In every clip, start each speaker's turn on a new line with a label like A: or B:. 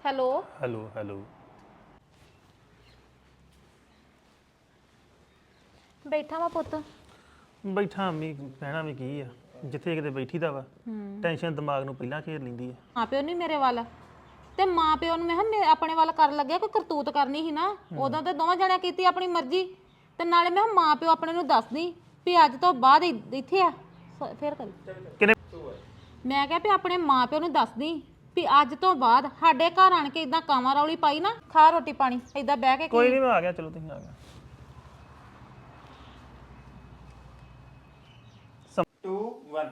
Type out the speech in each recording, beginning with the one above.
A: Hello
B: hello hello
A: ਬੈਠਾ ਵਾ ਪੁੱਤ।
B: ਬੈਠਾ ਅੰਮੀ ਕਹਿਣਾ ਵੀ ਕੀ ਆ ਜਿੱਥੇ ਕਿਤੇ ਬੈਠੀ ਦਾ ਵਾ ਟੈਨਸ਼ਨ ਦਿਮਾਗ ਨੂੰ ਪਹਿਲਾਂ ਘੇਰ ਲੈਂਦੀ ਆ।
A: ਮਾਂ ਪਿਓ ਨਹੀਂ ਮੇਰੇ ਵੱਲ ਤੇ ਮਾਂ ਪਿਓ ਨੂੰ ਮੈਂ ਕਿਹਾ ਆਪਣੇ ਵੱਲ ਕਰਨ ਲੱਗਿਆ ਕੋਈ ਕਰਤੂਤ ਕਰਨੀ ਸੀ ਨਾ ਉਦੋਂ ਤੇ ਦੋਵਾਂ ਜਣਿਆਂ ਕੀਤੀ ਆਪਣੀ ਮਰਜ਼ੀ ਤੇ ਨਾਲੇ ਮੈਂ ਕਿਹਾ ਮਾਂ ਪਿਓ ਆਪਣੇ ਨੂੰ ਦੱਸਦੀ ਵੀ ਅੱਜ ਤੋਂ ਬਾਅਦ ਇੱਥੇ ਆ ਫੇਰ ਕਰੀ
B: ਕਿਨੇ
A: ਮੈਂ ਕਿਹਾ ਵੀ ਆਪਣੇ ਮਾਂ ਪਿਓ ਨੂੰ ਦੱਸਦੀ ਵੀ ਅੱਜ ਤੋਂ ਬਾਅਦ ਸਾਡੇ ਘਰ ਆਣ ਕੇ ਇਦਾਂ ਕਾਵਾਂ ਰੌਲੀ ਪਾਈ ਨਾ ਖਾ ਰੋਟੀ ਪਾਣੀ ਇਦਾਂ ਬਹਿ ਕੇ
B: ਕੋਈ ਨਹੀਂ ਮੈਂ ਆ ਗਿਆ ਚਲੋ ਤੁਸੀਂ ਆ ਗਿਆ
C: 2 1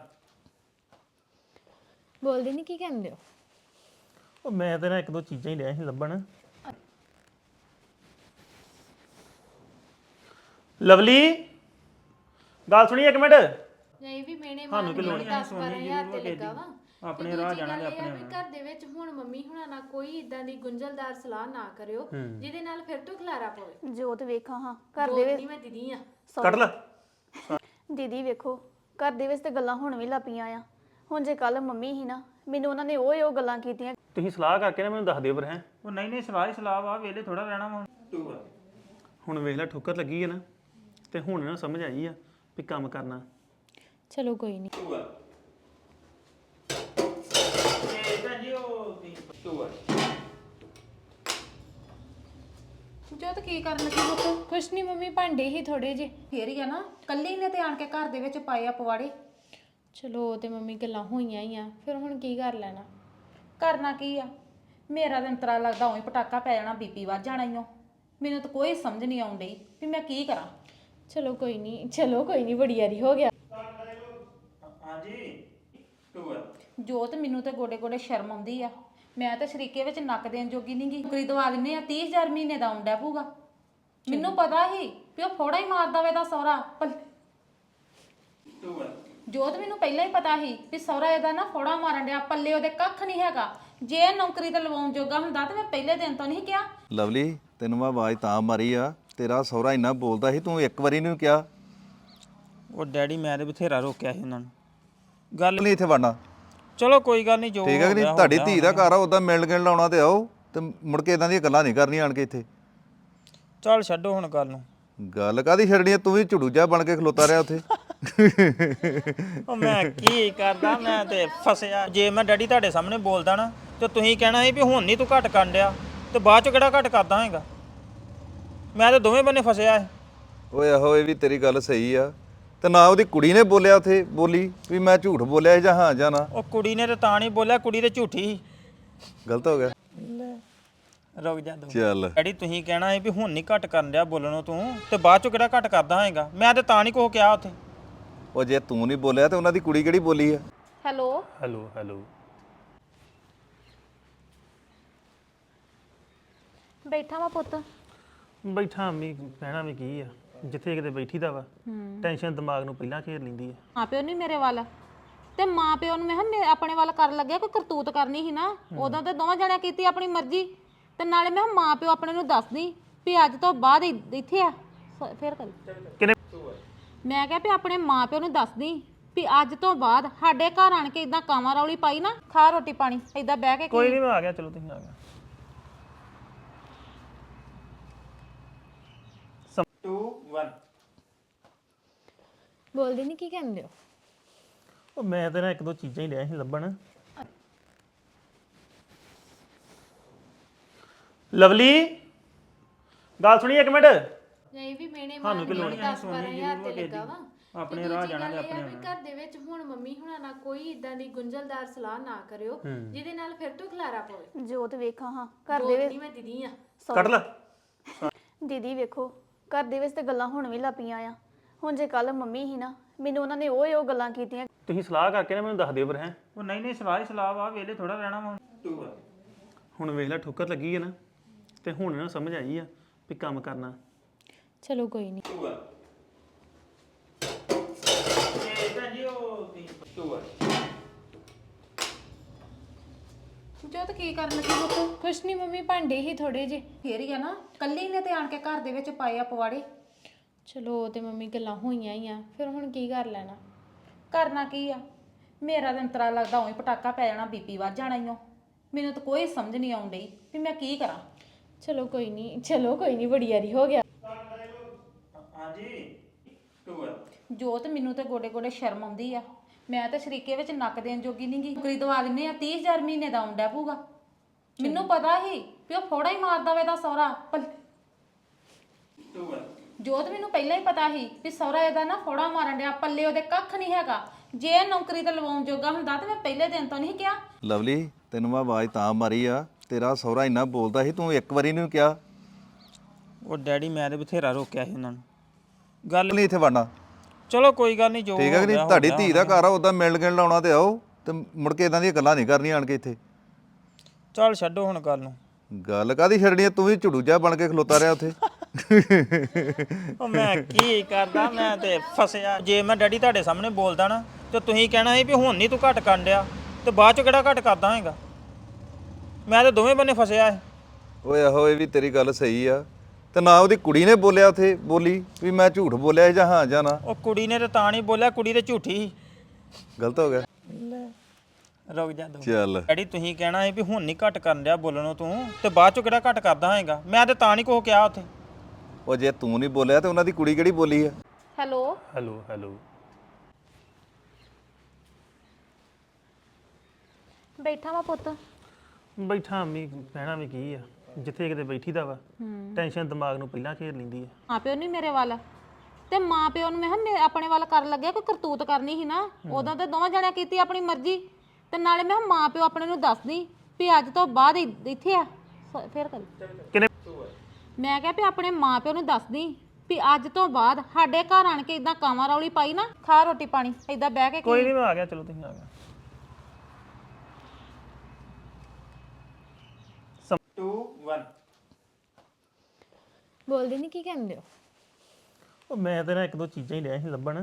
A: ਬੋਲਦੀ ਨਹੀਂ ਕੀ ਕਹਿੰਦੇ ਹੋ
B: ਉਹ ਮੈਂ ਤੇ ਨਾ ਇੱਕ ਦੋ ਚੀਜ਼ਾਂ ਹੀ ਲਿਆ ਸੀ ਲੱਭਣ ਲਵਲੀ ਗੱਲ ਸੁਣੀ ਇੱਕ ਮਿੰਟ
D: ਨਹੀਂ ਵੀ ਮੈਨੇ
B: ਸਾਨੂੰ ਕੀ ਲੋੜ
D: 10-12000 ਤੇ ਲੱਗਾ ਵਾ
C: ਆਪਣੇ ਰਾਹ ਜਾਣਾ ਤੇ
D: ਆਪਣੇ ਘਰ ਦੇ ਵਿੱਚ ਹੁਣ ਮੰਮੀ ਹੁਣਾਂ ਨਾਲ ਕੋਈ ਇਦਾਂ ਦੀ ਗੁੰਝਲਦਾਰ ਸਲਾਹ ਨਾ ਕਰਿਓ ਜਿਹਦੇ ਨਾਲ ਫਿਰ ਤੋਂ ਖਲਾਰਾ ਪਵੇ
E: ਜੋਤ ਵੇਖਾਂ ਹਾਂ ਘਰ ਦੇ ਵਿੱਚ
D: ਮੈਂ ਦੀਦੀ ਆ
B: ਕੱਢ ਲੈ
E: ਦੀਦੀ ਵੇਖੋ ਘਰ ਦੇ ਵਿੱਚ ਤੇ ਗੱਲਾਂ ਹੁਣ ਵੀ ਲੱਪੀਆਂ ਆ ਹੁਣ ਜੇ ਕੱਲ ਮੰਮੀ ਹੀ ਨਾ ਮੈਨੂੰ ਉਹਨਾਂ ਨੇ ਉਹ ਗੱਲਾਂ ਕੀਤੀਆਂ
B: ਤੁਸੀਂ ਸਲਾਹ ਕਰਕੇ ਨਾ ਮੈਨੂੰ ਦੱਸ ਦਿਓ ਫਿਰ ਹੈ
C: ਉਹ ਨਹੀਂ ਸਲਾਹ ਹੀ ਸਲਾਹ ਵਾ ਵੇਲੇ ਥੋੜਾ ਰਹਿਣਾ ਵਾ 2 1
B: ਹੁਣ ਵੇਖ ਲੈ ਠੋਕਰ ਲੱਗੀ ਹੈ ਨਾ ਤੇ ਹੁਣ ਨਾ ਸਮਝ ਆਈ ਆ ਵੀ ਕੰਮ ਕਰਨਾ
A: ਚਲੋ ਕੋਈ ਨਹੀਂ
C: 2 1 ਇਹ ਤਾਂ ਜੀ ਉਹ 2 1
A: ਜੋਤ ਕੀ ਕਰਨ ਲੱਗੀ ਪੁੱਤ
D: ਕੁਛ ਨਹੀਂ ਮੰਮੀ ਭਾਂਡੇ ਹੀ ਥੋੜੇ ਜੇ
A: ਫੇਰ ਹੀ ਆ ਨਾ ਕੱਲੀ ਨੇ ਤੇ ਆਣ ਕੇ ਘਰ ਦੇ ਵਿੱਚ ਪਾਏ ਆ ਪਵਾੜੇ
D: ਚਲੋ ਤੇ ਮੰਮੀ ਗੱਲਾਂ ਹੋਈਆਂ ਹੀ ਆ ਫਿਰ ਹੁਣ ਕੀ ਕਰ ਲੈਣਾ
A: ਕਰਨਾ ਕੀ ਆ ਮੇਰਾ ਤਾਂ ਅੰਤਰਾ ਲੱਗਦਾ ਉਹੀ ਪਟਾਕਾ ਪੈ ਜਾਣਾ ਬੀਪੀ ਵੱਧ ਜਾਣਾ ਈਓ ਮੈਨੂੰ ਤਾਂ ਕੋਈ ਸਮਝ ਨਹੀਂ ਆਉਣ ਡਈ ਵੀ ਮੈਂ ਕੀ ਕਰਾਂ
D: ਚਲੋ ਕੋਈ ਨਹੀਂ ਬੜੀ ਯਾਰੀ ਹੋ ਗਿਆ
C: ਹਾਂਜੀ 2 1
A: ਜੋਤ ਮੈਨੂੰ ਤੇ ਗੋਡੇ ਗੋਡੇ ਸ਼ਰਮ ਆਉਂਦੀ ਆ ਮੈਂ ਤਾਂ ਸ਼ਰੀਕੇ ਵਿੱਚ ਨੱਕ ਦੇਣ ਜੋਗੀ ਨਹੀਂ ਗਈ ਨੌਕਰੀ ਦਵਾ ਦਿੰਨੇ ਆ 30000 ਮਹੀਨੇ ਦਾ ਆਉਂਦਾ ਪਊਗਾ ਮੈਨੂੰ ਪਤਾ ਸੀ ਵੀ ਉਹ ਫੋੜਾ ਹੀ ਮਾਰਦਾ ਵੇ ਦਾ ਸਹੁਰਾ
C: 2 1
A: ਜੋਤ ਮੈਨੂੰ ਪਹਿਲਾਂ ਹੀ ਪਤਾ ਸੀ ਵੀ ਸਹੁਰਾ ਇਹਦਾ ਨਾ ਫੋੜਾ ਮਾਰਨ ਡਿਆ ਪੱਲੇ ਉਹਦੇ ਕੱਖ ਨਹੀਂ ਹੈਗਾ ਜੇ ਇਹ ਨੌਕਰੀ ਤੇ ਲਵਾਉਣ ਜੋਗਾ ਹੁੰਦਾ ਤੇ ਮੈਂ ਪਹਿਲੇ ਦਿਨ ਤੋਂ ਨਹੀਂ ਕਿਹਾ
F: ਲਵਲੀ ਤੈਨੂੰ ਮੈਂ ਆਵਾਜ਼ ਤਾਂ ਮਾਰੀ ਆ ਤੇਰਾ ਸਹੁਰਾ ਇੰਨਾ ਬੋਲਦਾ ਸੀ ਤੂੰ ਇੱਕ ਵਾਰੀ ਨਹੀਂ ਕਿਹਾ
C: ਉਹ ਡੈਡੀ ਮੈਂ ਤੇ ਬਥੇਰਾ ਰੋਕਿਆ ਸੀ ਉਹਨਾਂ ਨੂੰ ਗੱਲ
F: ਨਹੀਂ ਇੱਥੇ ਵੜਨਾ
C: ਚਲੋ ਕੋਈ ਗੱਲ ਨਹੀਂ ਜੋ
F: ਠੀਕ ਹੈ ਕਿ ਨਹੀਂ ਤੁਹਾਡੀ ਧੀ ਦਾ ਘਰ ਆ ਉਦਾਂ ਮਿਲਣ ਗਿਲਣ ਲਾਉਣਾ ਤੇ ਆਓ ਤੇ ਮੁੜ ਕੇ ਇਦਾਂ ਦੀਆਂ ਗੱਲਾਂ ਨਹੀਂ ਕਰਨੀਆਂ ਆਣ ਕੇ ਇੱਥੇ
C: ਚੱਲ ਛੱਡੋ ਹੁਣ ਗੱਲ ਨੂੰ
F: ਗੱਲ ਕਾਦੀ ਛੱਡਣੀ ਆ ਤੂੰ ਵੀ ਝੁੜੂਜਾ ਬਣ ਕੇ ਖਲੋਤਾ ਰਿਹਾ ਉੱਥੇ
C: ਉਹ ਮੈਂ ਕੀ ਕਰਦਾ ਮੈਂ ਤੇ ਫਸਿਆ ਜੇ ਮੈਂ ਡੈਡੀ ਤੁਹਾਡੇ ਸਾਹਮਣੇ ਬੋਲਦਾ ਨਾ ਤੇ ਤੁਸੀਂ ਕਹਿਣਾ ਸੀ ਵੀ ਹੁਣ ਨਹੀਂ ਤੂੰ ਘੱਟ ਕਰਨ ਡਿਆ ਤੇ ਬਾਅਦ ਚ ਕਿਹੜਾ ਘੱਟ ਕਰਦਾ ਹੈਗਾ ਮੈਂ ਤੇ ਦੋਵੇਂ ਬੰਨੇ ਫਸਿਆ ਏ
F: ਓਏ ਆਹੋ ਇਹ ਵੀ ਤੇਰੀ ਗੱਲ ਸਹੀ ਆ ਤੇ ਨਾ ਉਹਦੀ ਕੁੜੀ ਨੇ ਬੋਲਿਆ ਉੱਥੇ ਬੋਲੀ ਵੀ ਮੈਂ ਝੂਠ ਬੋਲਿਆ ਜਾਂ ਹਾਂ ਜਾਂ ਨਾ
C: ਉਹ ਕੁੜੀ ਨੇ ਤੇ ਤਾਂ ਨਹੀਂ ਬੋਲਿਆ ਕੁੜੀ ਤੇ ਝੂਠੀ ਸੀ
F: ਗਲਤ ਹੋ ਗਿਆ
C: ਰੁਕ ਜਾ ਦੋ
F: ਚੱਲ
C: ਡੈਡੀ ਤੁਸੀਂ ਕਹਿਣਾ ਸੀ ਵੀ ਹੁਣ ਨਹੀਂ ਘੱਟ ਕਰਨ ਡਿਆ ਬੋਲਣੋਂ ਤੂੰ ਤੇ ਬਾਅਦ ਚ ਕਿਹੜਾ ਘੱਟ ਕਰਦਾ ਹੈਗਾ ਮੈਂ ਤੇ ਤਾਂ ਨਹੀਂ ਕੁਛ ਕਿਹਾ ਉੱਥੇ
F: ਉਹ ਜੇ ਤੂੰ ਨਹੀਂ ਬੋਲਿਆ ਤੇ ਉਹਨਾਂ ਦੀ ਕੁੜੀ ਕਿਹੜੀ ਬੋਲੀ ਆ
A: ਹੈਲੋ
B: ਹੈਲੋ ਹੈਲੋ
A: ਬੈਠਾ ਵਾ ਪੁੱਤ
B: ਬੈਠਾ ਅੰਮੀ ਕਹਿਣਾ ਵੀ ਕੀ ਆ ਜਿੱਥੇ ਕਿਤੇ ਬੈਠੀ ਦਾ ਵਾ ਟੈਨਸ਼ਨ ਦਿਮਾਗ ਨੂੰ ਪਹਿਲਾਂ ਘੇਰ ਲੈਂਦੀ ਆ।
A: ਮਾਂ ਪਿਓ ਨਹੀਂ ਮੇਰੇ ਵੱਲ ਤੇ ਮਾਂ ਪਿਓ ਨੂੰ ਮੈਂ ਕਿਹਾ ਆਪਣੇ ਵੱਲ ਕਰਨ ਲੱਗਿਆ ਕੋਈ ਕਰਤੂਤ ਕਰਨੀ ਸੀ ਨਾ ਉਦੋਂ ਤੇ ਦੋਵਾਂ ਜਣਿਆਂ ਕੀਤੀ ਆਪਣੀ ਮਰਜ਼ੀ ਤੇ ਨਾਲੇ ਮੈਂ ਕਿਹਾ ਮਾਂ ਪਿਓ ਆਪਣੇ ਨੂੰ ਦੱਸਦੀ ਵੀ ਅੱਜ ਤੋਂ ਬਾਅਦ ਇੱਥੇ ਆ ਫੇਰ ਕਰੀ
B: ਕਿਨੇ
A: ਮੈਂ ਕਿਹਾ ਵੀ ਆਪਣੇ ਮਾਂ ਪਿਓ ਨੂੰ ਦੱਸਦੀ ਵੀ ਅੱਜ ਤੋਂ ਬਾਅਦ ਸਾਡੇ ਘਰ ਆਣ ਕੇ ਇਦਾਂ ਕਾਵਾਂ ਰੌਲੀ ਪਾਈ ਨਾ ਖਾ ਰੋਟੀ ਪਾਣੀ ਇਦਾਂ ਬਹਿ ਕੇ
B: ਕੋਈ ਨਹੀਂ ਮੈਂ ਆ ਗਿਆ ਚਲੋ ਤੁਸੀਂ ਆ ਗਿਆ
C: 2 1
D: ਬੋਲਦੀ ਨਹੀਂ ਕੀ ਕਹਿੰਦੇ ਹੋ
B: ਉਹ ਮੈਂ ਤੇ ਨਾ ਇੱਕ ਦੋ ਚੀਜ਼ਾਂ ਹੀ ਲਿਆ ਸੀ ਲੱਭਣ ਲਵਲੀ ਗੱਲ ਸੁਣੀ ਇੱਕ ਮਿੰਟ
D: ਨਹੀਂ ਵੀ ਮੈਨੇ
B: ਸਾਨੂੰ ਕੀ ਲੋੜ
D: 10-12000 ਤੇ ਲੱਗਾ ਵਾ
C: ਆਪਣੇ ਰਾਹ ਜਾਣਾ ਤੇ ਆਪਣੇ
D: ਘਰ ਦੇ ਵਿੱਚ ਹੁਣ ਮੰਮੀ ਹੁਣਾਂ ਨਾਲ ਕੋਈ ਇਦਾਂ ਦੀ ਗੁੰਝਲਦਾਰ ਸਲਾਹ ਨਾ ਕਰਿਓ ਜਿਹਦੇ ਨਾਲ ਫਿਰ ਤੋਂ ਖਲਾਰਾ ਪਵੇ
E: ਜੋਤ ਵੇਖਾਂ ਹਾਂ ਘਰ ਦੇ ਵਿੱਚ
D: ਮੈਂ ਦੀਦੀ ਆ
B: ਕੱਢ ਲੈ
E: ਦੀਦੀ ਵੇਖੋ ਘਰ ਦੇ ਵਿੱਚ ਤੇ ਗੱਲਾਂ ਹੁਣ ਵੀ ਲੱਪੀਆਂ ਆ ਹੁਣ ਜੇ ਕੱਲ ਮੰਮੀ ਹੀ ਨਾ ਮੈਨੂੰ ਉਹਨਾਂ ਨੇ ਉਹ ਗੱਲਾਂ ਕੀਤੀਆਂ
B: ਤੁਸੀਂ ਸਲਾਹ ਕਰਕੇ ਨਾ ਮੈਨੂੰ ਦੱਸ ਦਿਓ ਫਿਰ ਹੈ
C: ਉਹ ਨਹੀਂ ਸਲਾਹ ਹੀ ਸਲਾਹ ਵਾ ਵੇਲੇ ਥੋੜਾ ਰਹਿਣਾ ਵਾ 2 1
B: ਹੁਣ ਵੇਖ ਲੈ ਠੋਕਰ ਲੱਗੀ ਹੈ ਨਾ ਤੇ ਹੁਣ ਨਾ ਸਮਝ ਆਈ ਆ ਵੀ ਕੰਮ ਕਰਨਾ
D: ਚਲੋ ਕੋਈ ਨਹੀਂ
C: 2 1 ਇਹ ਤਾਂ ਜੀ ਉਹ 2 1
A: ਜੋਤ ਕੀ ਕਰਨ ਲੱਗੀ ਪੁੱਤ
D: ਕੁਛ ਨਹੀਂ ਮੰਮੀ ਭਾਂਡੇ ਹੀ ਥੋੜੇ ਜੇ
A: ਫੇਰ ਹੀ ਆ ਨਾ ਕੱਲੀ ਨੇ ਤੇ ਆਣ ਕੇ ਘਰ ਦੇ ਵਿੱਚ ਪਾਏ ਆ ਪਵਾੜੇ
D: ਚਲੋ ਤੇ ਮੰਮੀ ਗੱਲਾਂ ਹੋਈਆਂ ਹੀ ਆ ਫਿਰ ਹੁਣ ਕੀ ਕਰ ਲੈਣਾ
A: ਕਰਨਾ ਕੀ ਆ ਮੇਰਾ ਤਾਂ ਅੰਤਰਾ ਲੱਗਦਾ ਉਹੀ ਪਟਾਕਾ ਪੈ ਜਾਣਾ ਬੀਪੀ ਵੱਧ ਜਾਣਾ ਈਓ ਮੈਨੂੰ ਤਾਂ ਕੋਈ ਸਮਝ ਨਹੀਂ ਆਉਣ ਡਈ ਵੀ ਮੈਂ ਕੀ ਕਰਾਂ।
D: ਚਲੋ ਕੋਈ ਨਹੀਂ ਬੜੀ ਯਾਰੀ ਹੋ ਗਿਆ।
C: ਹਾਂਜੀ 2
A: ਜੋਤ ਮੈਨੂੰ ਤੇ ਗੋਡੇ ਗੋਡੇ ਸ਼ਰਮ ਆਉਂਦੀ ਆ। ਮੈਂ ਤਾਂ ਸ਼ਰੀਕੇ ਵਿੱਚ ਨੱਕ ਦੇਣ ਜੋਗੀ ਨਹੀਂ ਗਈ। ਨੌਕਰੀ ਦਵਾ ਦਿੰਨੇ ਆ 30000 ਮਹੀਨੇ ਦਾ ਆਉਂਦਾ ਪਊਗਾ। ਮੈਨੂੰ ਪਤਾ ਹੀ ਵੀ ਉਹ ਫੋੜਾ ਹੀ ਮਾਰਦਾ ਵੇ ਦਾ ਸਹੁਰਾ।
C: 2
A: ਜੋਤ ਮੈਨੂੰ ਪਹਿਲਾਂ ਹੀ ਪਤਾ ਸੀ ਵੀ ਸਹੁਰਾ ਇਹਦਾ ਨਾ ਫੋੜਾ ਮਾਰਨ ਡਿਆ, ਪੱਲੇ ਉਹਦੇ ਕੱਖ ਨਹੀਂ ਹੈਗਾ। ਜੇ ਇਹ ਨੌਕਰੀ ਤੇ ਲਵਾਉਣ ਜੋਗਾ ਹੁੰਦਾ ਤੇ ਮੈਂ ਪਹਿਲੇ ਦਿਨ ਤੋਂ ਨਹੀਂ ਕਿਹਾ।
F: ਲਵਲੀ ਤੈਨੂੰ ਮੈਂ ਆਵਾਜ਼ ਤਾਂ ਮਾਰੀ ਆ, ਤੇਰਾ ਸਹੁਰਾ ਇੰਨਾ ਬੋਲਦਾ ਸੀ, ਤੂੰ ਇੱਕ ਵਾਰੀ ਨਹੀਂ ਕਿਹਾ
C: ਉਹ ਡੈਡੀ ਮੈਂ ਤੇ ਬਥੇਰਾ ਰੋਕਿਆ ਸੀ ਉਹਨਾਂ ਨੂੰ। ਗੱਲ
F: ਨਹੀਂ ਇੱਥੇ ਵੜਨਾ।
C: ਚਲੋ ਕੋਈ ਗੱਲ ਨਹੀਂ, ਜੋ
F: ਠੀਕ ਹੈ ਕਿ ਨਹੀਂ?
C: ਹੋ ਗਿਆ,
F: ਤੁਹਾਡੀ
C: ਹੋ
F: ਧੀ
C: ਗਿਆ।
F: ਦਾ ਘਰ ਆ, ਉਦਾਂ ਮਿਲਣ ਗਿਲਣ ਲਾਉਣਾ ਤੇ ਆਓ, ਤੇ ਮੁੜ ਕੇ ਇਦਾਂ ਦੀਆਂ ਗੱਲਾਂ ਨਹੀਂ ਕਰਨੀਆਂ ਆਣ ਕੇ ਇੱਥੇ।
C: ਚੱਲ ਛੱਡੋ ਹੁਣ ਗੱਲ ਨੂੰ।
F: ਗੱਲ ਕਾਦੀ ਛੱਡਣੀ ਆ? ਤੂੰ ਵੀ ਝੁੜੂ ਜਿਹਾ ਬਣ ਕੇ ਖਲੋਤਾ ਰਿਹਾ ਉੱਥੇ।
C: ਉਹ ਮੈਂ ਕੀ ਕਰਦਾ, ਮੈਂ ਤੇ ਫਸਿਆ। ਜੇ ਮੈਂ ਡੈਡੀ ਤੁਹਾਡੇ ਸਾਹਮਣੇ ਬੋਲਦਾ ਨਾ ਤੇ ਤੁਸੀਂ ਕਹਿਣਾ ਸੀ ਵੀ ਹੁਣ ਨਹੀਂ ਤੂੰ ਘੱਟ ਕਰਨ ਡਿਆ, ਤੇ ਬਾਅਦ ਚ ਕਿਹੜਾ ਘੱਟ ਕਰਦਾ ਹੈਗਾ। ਮੈਂ ਤੇ ਦੋਵੇਂ ਬੰਨੇ ਫਸਿਆ ਹੈ।
F: ਓਏ ਆਹੋ, ਇਹ ਵੀ ਤੇਰੀ ਗੱਲ ਸਹੀ ਆ। ਤੇ ਨਾ ਉਹਦੀ ਕੁੜੀ ਨੇ ਬੋਲਿਆ ਉੱਥੇ, ਬੋਲੀ ਵੀ ਮੈਂ ਝੂਠ ਬੋਲਿਆ ਜਾਂ ਹਾਂ ਜਾਂ ਨਾ।
C: ਉਹ ਕੁੜੀ ਨੇ ਤੇ ਤਾਂ ਨਹੀਂ ਬੋਲਿਆ, ਕੁੜੀ ਤੇ ਝੂਠੀ ਸੀ।
F: ਗਲਤ ਹੋ ਗਿਆ।
C: ਰੁਕ ਜਾ ਦੋ।
F: ਚੱਲ
C: ਡੈਡੀ ਤੁਸੀਂ ਕਹਿਣਾ ਸੀ ਵੀ ਹੁਣ ਨਹੀਂ ਘੱਟ ਕਰਨ ਡਿਆ ਬੋਲਣੋਂ ਤੂੰ, ਤੇ ਬਾਅਦ ਚ ਕਿਹੜਾ ਘੱਟ ਕਰਦਾ ਹੈਗਾ। ਮੈਂ ਤੇ ਤਾਂ ਨਹੀਂ ਕੁਛ ਕਿਹਾ ਉੱਥੇ।
F: ਉਹ ਜੇ ਤੂੰ ਨਹੀਂ ਬੋਲਿਆ ਤੇ ਉਹਨਾਂ ਦੀ ਕੁੜੀ ਕਿਹੜੀ ਬੋਲੀ ਆ?
A: Hello
B: hello hello.
A: ਬੈਠਾ ਵਾ ਪੁੱਤ।
B: ਬੈਠਾ ਅੰਮੀ, ਕਹਿਣਾ ਵੀ ਕੀ ਆ, ਜਿੱਥੇ ਕਿਤੇ ਬੈਠੀ ਦਾ ਵਾ ਟੈਨਸ਼ਨ ਦਿਮਾਗ ਨੂੰ ਪਹਿਲਾਂ ਘੇਰ ਲੈਂਦੀ ਆ।
A: ਮਾਂ ਪਿਓ ਨਹੀਂ ਮੇਰੇ ਵੱਲ ਤੇ ਮਾਂ ਪਿਓ ਨੂੰ ਮੈਂ ਕਿਹਾ ਆਪਣੇ ਵੱਲ ਕਰਨ ਲੱਗਿਆ ਕੋਈ ਕਰਤੂਤ ਕਰਨੀ ਸੀ ਨਾ। ਉਦੋਂ ਤੇ ਦੋਵਾਂ ਜਣਿਆਂ ਕੀਤੀ ਆਪਣੀ ਮਰਜ਼ੀ। ਤੇ ਨਾਲੇ ਮੈਂ ਕਿਹਾ ਮਾਂ ਪਿਓ ਆਪਣੇ ਨੂੰ ਦੱਸਦੀ ਵੀ ਅੱਜ ਤੋਂ ਬਾਅਦ ਇੱਥੇ ਆ। ਫੇਰ ਕਰ
B: ਕਿਨੇ
A: ਮੈਂ ਕਿਹਾ ਵੀ ਆਪਣੇ ਮਾਂ ਪਿਓ ਨੂੰ ਦੱਸਦੀ ਵੀ ਅੱਜ ਤੋਂ ਬਾਅਦ ਸਾਡੇ ਘਰ ਆਣ ਕੇ ਇਦਾਂ ਕਾਵਾਂ ਰੌਲੀ ਪਾਈ ਨਾ, ਖਾ ਰੋਟੀ ਪਾਣੀ ਇਦਾਂ ਬਹਿ ਕੇ
B: ਕੋਈ ਨਹੀਂ, ਮੈਂ ਆ ਗਿਆ। ਚਲੋ ਤੁਸੀਂ ਆ ਗਿਆ।
C: 2 1
D: ਬੋਲਦੇ ਨਹੀਂ, ਕੀ ਕਹਿੰਦੇ ਹੋ?
B: ਉਹ ਮੈਂ ਤੇ ਨਾ ਇੱਕ ਦੋ ਚੀਜ਼ਾਂ ਹੀ ਲਿਆ ਸੀ ਲੱਭਣ।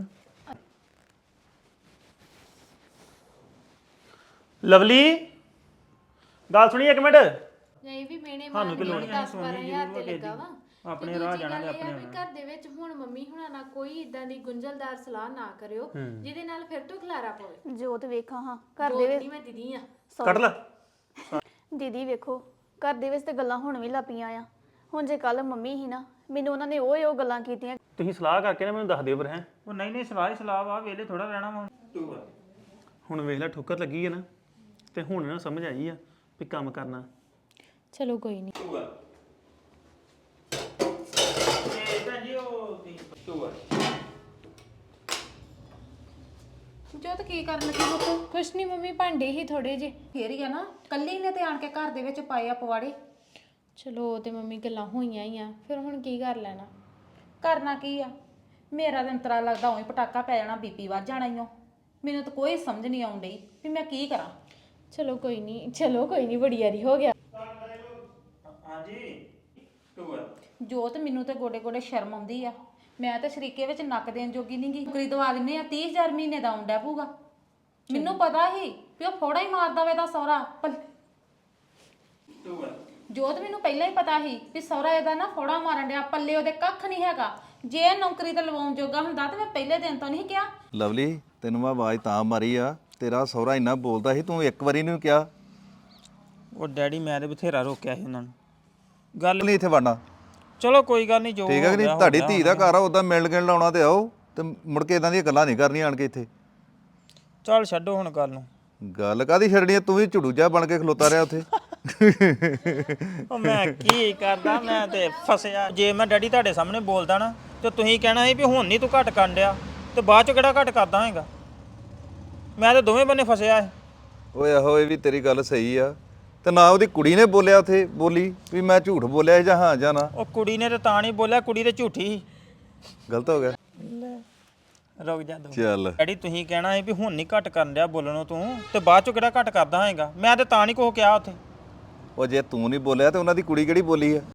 B: ਲਵਲੀ ਗੱਲ ਸੁਣੀ ਇੱਕ ਮਿੰਟ।
D: ਨਹੀਂ ਵੀ ਮੇਨੇ ਮਾਰ ਕੇ 10-12,000 ਤੇ ਲੱਗਾ ਵਾ।
C: ਆਪਣੇ ਰਾਹ ਜਾਣਾ ਤੇ
D: ਆਪਣੇ ਘਰ ਦੇ ਵਿੱਚ ਹੁਣ ਮੰਮੀ ਹੁਣਾਂ ਨਾਲ ਕੋਈ ਇਦਾਂ ਦੀ ਗੁੰਝਲਦਾਰ ਸਲਾਹ ਨਾ ਕਰਿਓ ਜਿਹਦੇ ਨਾਲ ਫਿਰ ਤੋਂ ਖਲਾਰਾ ਪਵੇ।
E: ਜੋਤ ਵੇਖਾਂ ਹਾਂ ਘਰ ਦੇ ਵਿੱਚ
D: ਨਹੀਂ ਮੈਂ ਦੀਦੀ ਆ।
B: ਕੱਢ ਲੈ।
E: ਦੀਦੀ ਵੇਖੋ ਘਰ ਦੇ ਵਿੱਚ ਤੇ ਗੱਲਾਂ ਹੁਣ ਵੀ ਲੱਪੀਆਂ ਆ। ਹੁਣ ਜੇ ਕੱਲ ਮੰਮੀ ਹੀ ਨਾ, ਮੈਨੂੰ ਉਹਨਾਂ ਨੇ ਉਹ ਗੱਲਾਂ ਕੀਤੀਆਂ।
B: ਤੁਸੀਂ ਸਲਾਹ ਕਰਕੇ ਨਾ ਮੈਨੂੰ ਦੱਸ ਦਿਓ ਫਿਰ। ਹੈ
C: ਉਹ ਨਹੀਂ ਸਲਾਹ ਹੀ ਸਲਾਹ ਵਾ, ਵੇਲੇ ਥੋੜਾ ਰਹਿਣਾ ਵਾ। 2
B: ਹੁਣ ਵੇਖ ਲੈ ਠੋਕਰ ਲੱਗੀ ਹੈ ਨਾ, ਤੇ ਹੁਣ ਨਾ ਸਮਝ ਆਈ ਆ ਵੀ ਕੰਮ ਕਰਨਾ।
D: ਚਲੋ ਕੋਈ ਨਹੀਂ।
C: 2 ਤੇ ਭੈਣ ਜੀ ਉਹ 2
A: ਜੋਤ ਕੀ ਕਰਨ ਲੱਗੀ ਪੁੱਤ?
D: ਕੁਛ ਨਹੀਂ ਮੰਮੀ, ਭਾਂਡੇ ਹੀ ਥੋੜੇ ਜੇ।
A: ਫੇਰ ਹੀ ਆ ਨਾ, ਕੱਲੀ ਨੇ ਤੇ ਆਣ ਕੇ ਘਰ ਦੇ ਵਿੱਚ ਪਾਏ ਆ ਪਵਾੜੇ।
D: ਚਲੋ ਉਹ ਤੇ ਮੰਮੀ ਗੱਲਾਂ ਹੋਈਆਂ ਹੀ ਆ, ਫਿਰ ਹੁਣ ਕੀ ਕਰ ਲੈਣਾ।
A: ਕਰਨਾ ਕੀ ਆ? ਮੇਰਾ ਤਾਂ ਅੰਤਰਾ ਲੱਗਦਾ ਉਹੀ ਪਟਾਕਾ ਪੈ ਜਾਣਾ, ਬੀਪੀ ਵੱਧ ਜਾਣਾ ਈ ਓ। ਮੈਨੂੰ ਤਾਂ ਕੋਈ ਸਮਝ ਨਹੀਂ ਆਉਣ ਡਈ ਵੀ ਮੈਂ ਕੀ ਕਰਾਂ।
D: ਚਲੋ ਕੋਈ ਨਹੀਂ ਬੜੀ ਯਾਰੀ ਹੋ ਗਿਆ।
C: ਹਾਂਜੀ 2
A: ਜੋਤ ਮੈਨੂੰ ਤੇ ਗੋਡੇ ਗੋਡੇ ਸ਼ਰਮ ਆਉਂਦੀ ਆ। ਮੈਂ ਤਾਂ ਸ਼ਰੀਕੇ ਵਿੱਚ ਨੱਕ ਦੇਣ ਜੋਗੀ ਨਹੀਂ ਗਈ। ਨੌਕਰੀ ਦਵਾ ਦਿੰਨੇ ਆ 30000 ਮਹੀਨੇ ਦਾ ਆਉਂਦਾ ਪਊਗਾ। ਮੈਨੂੰ ਪਤਾ ਸੀ ਵੀ ਉਹ ਫੋੜਾ ਹੀ ਮਾਰਦਾ ਵੇ ਦਾ ਸਹੁਰਾ।
C: 2
A: ਜੋਤ ਮੈਨੂੰ ਪਹਿਲਾਂ ਹੀ ਪਤਾ ਸੀ ਵੀ ਸਹੁਰਾ ਇਹਦਾ ਨਾ ਫੋੜਾ ਮਾਰਨ ਡਿਆ, ਪੱਲੇ ਉਹਦੇ ਕੱਖ ਨਹੀਂ ਹੈਗਾ। ਜੇ ਇਹ ਨੌਕਰੀ ਤੇ ਲਵਾਉਣ ਜੋਗਾ ਹੁੰਦਾ ਤੇ ਮੈਂ ਪਹਿਲੇ ਦਿਨ ਤੋਂ ਨਹੀਂ ਕਿਹਾ।
F: ਲਵਲੀ ਤੈਨੂੰ ਮੈਂ ਆਵਾਜ਼ ਤਾਂ ਮਾਰੀ ਆ, ਤੇਰਾ ਸਹੁਰਾ ਇੰਨਾ ਬੋਲਦਾ ਸੀ, ਤੂੰ ਇੱਕ ਵਾਰੀ ਨਹੀਂ ਕਿਹਾ
C: ਉਹ ਡੈਡੀ ਮੈਂ ਤੇ ਬਥੇਰਾ ਰੋਕਿਆ ਸੀ ਉਹਨਾਂ ਨੂੰ। ਗੱਲ
F: ਨਹੀਂ ਇੱਥੇ ਵੜਨਾ।
C: ਚਲੋ ਕੋਈ ਗੱਲ ਨਹੀਂ, ਜੋ
F: ਠੀਕ ਹੈ ਕਿ ਨਹੀਂ?
C: ਹੋ ਗਿਆ,
F: ਤੁਹਾਡੀ
C: ਹੋ
F: ਧੀ ਦਾ ਘਰ ਆ, ਉਦਾਂ ਮਿਲਣ ਗਿਲਣ ਲਾਉਣਾ ਤੇ ਆਓ, ਤੇ ਮੁੜ ਕੇ ਇਦਾਂ ਦੀਆਂ ਗੱਲਾਂ ਨਹੀਂ ਕਰਨੀਆਂ ਆਣ ਕੇ ਇੱਥੇ।
C: ਚੱਲ ਛੱਡੋ ਹੁਣ ਗੱਲ ਨੂੰ।
F: ਗੱਲ ਕਾਦੀ ਛੱਡਣੀ ਆ? ਤੂੰ ਵੀ ਝੁੜੂ ਜਿਹਾ ਬਣ ਕੇ ਖਲੋਤਾ ਰਿਹਾ ਉੱਥੇ।
C: ਉਹ ਮੈਂ ਕੀ ਕਰਦਾ, ਮੈਂ ਤੇ ਫਸਿਆ। ਜੇ ਮੈਂ ਡੈਡੀ ਤੁਹਾਡੇ ਸਾਹਮਣੇ ਬੋਲਦਾ ਨਾ ਤੇ ਤੁਸੀਂ ਕਹਿਣਾ ਸੀ ਵੀ ਹੁਣ ਨਹੀਂ ਤੂੰ ਘੱਟ ਕਰਨ ਡਿਆ, ਤੇ ਬਾਅਦ ਚ ਕਿਹੜਾ ਘੱਟ ਕਰਦਾ ਹੈਗਾ। ਮੈਂ ਤੇ ਦੋਵੇਂ ਬੰਨੇ ਫਸਿਆ ਹੈ।
F: ਓਏ ਆਹੋ, ਇਹ ਵੀ ਤੇਰੀ ਗੱਲ ਸਹੀ ਆ। ਤੇ ਨਾ ਉਹਦੀ ਕੁੜੀ ਨੇ ਬੋਲਿਆ ਉੱਥੇ, ਬੋਲੀ ਵੀ ਮੈਂ ਝੂਠ ਬੋਲਿਆ ਜਾਂ ਹਾਂ ਜਾਂ ਨਾ।
C: ਉਹ ਕੁੜੀ ਨੇ ਤੇ ਤਾਂ ਨਹੀਂ ਬੋਲਿਆ, ਕੁੜੀ ਤੇ ਝੂਠੀ ਸੀ।
F: ਗਲਤ ਹੋ ਗਿਆ।
C: ਰੁਕ ਜਾ ਦੋ।
F: ਚੱਲ
C: ਡੈਡੀ ਤੁਸੀਂ ਕਹਿਣਾ ਸੀ ਵੀ ਹੁਣ ਨਹੀਂ ਘੱਟ ਕਰਨ ਡਿਆ ਬੋਲਣੋਂ ਤੂੰ, ਤੇ ਬਾਅਦ ਚ ਕਿਹੜਾ ਘੱਟ ਕਰਦਾ ਹੈਗਾ। ਮੈਂ ਤੇ ਤਾਂ ਨਹੀਂ ਕੁਛ ਕਿਹਾ ਉੱਥੇ।
F: ਉਹ ਜੇ ਤੂੰ ਨਹੀਂ ਬੋਲਿਆ ਤੇ ਉਹਨਾਂ ਦੀ ਕੁੜੀ ਕਿਹੜੀ ਬੋਲੀ ਆ?